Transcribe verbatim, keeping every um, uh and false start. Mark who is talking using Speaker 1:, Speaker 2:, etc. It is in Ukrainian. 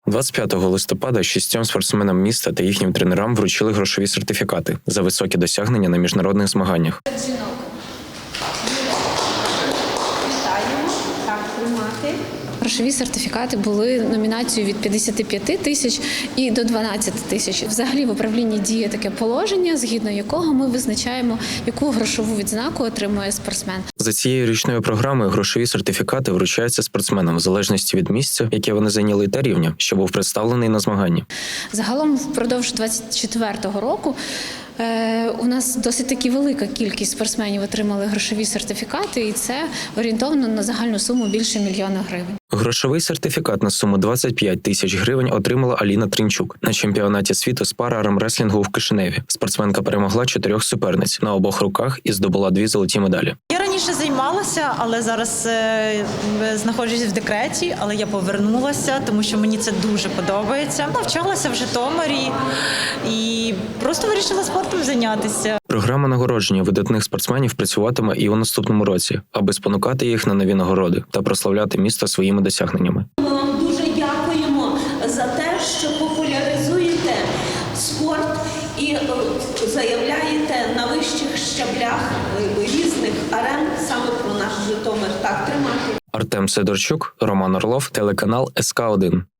Speaker 1: двадцять п'ятого листопада шістьом спортсменам міста та їхнім тренерам вручили грошові сертифікати за високі досягнення на міжнародних змаганнях.
Speaker 2: Вітаємо. Так, тримати. Грошові сертифікати були номінацією від п'ятдесят п'ять тисяч і до дванадцять тисяч. Взагалі в управлінні діє таке положення, згідно якого ми визначаємо, яку грошову відзнаку отримує спортсмен.
Speaker 1: За цією річною програмою грошові сертифікати вручаються спортсменам в залежності від місця, яке вони зайняли, та рівня, що був представлений на змаганні.
Speaker 2: Загалом впродовж двадцять четвертого року е, у нас досить таки велика кількість спортсменів отримали грошові сертифікати, і це орієнтовно на загальну суму більше мільйона гривень.
Speaker 1: Грошовий сертифікат на суму двадцять п'ять тисяч гривень отримала Аліна Тринчук на чемпіонаті світу з пара-армреслінгу в Кишиневі. Спортсменка перемогла чотирьох суперниць на обох руках і здобула дві золоті медалі.
Speaker 3: Я раніше займалася, але зараз е, знаходжусь в декреті, але я повернулася, тому що мені це дуже подобається. Навчалася в Житомирі і просто вирішила спортом зайнятися.
Speaker 1: Програма нагородження видатних спортсменів працюватиме і у наступному році, аби спонукати їх на нові нагороди та прославляти місто своїми досягненнями.
Speaker 4: Ми вам дуже дякуємо за те, що популяризуєте спорт і заявляєте на вищих щаблях різних арен саме про наш Житомир. Так, тримати.
Speaker 1: Артем Сидорчук, Роман Орлов, телеканал ес ка один.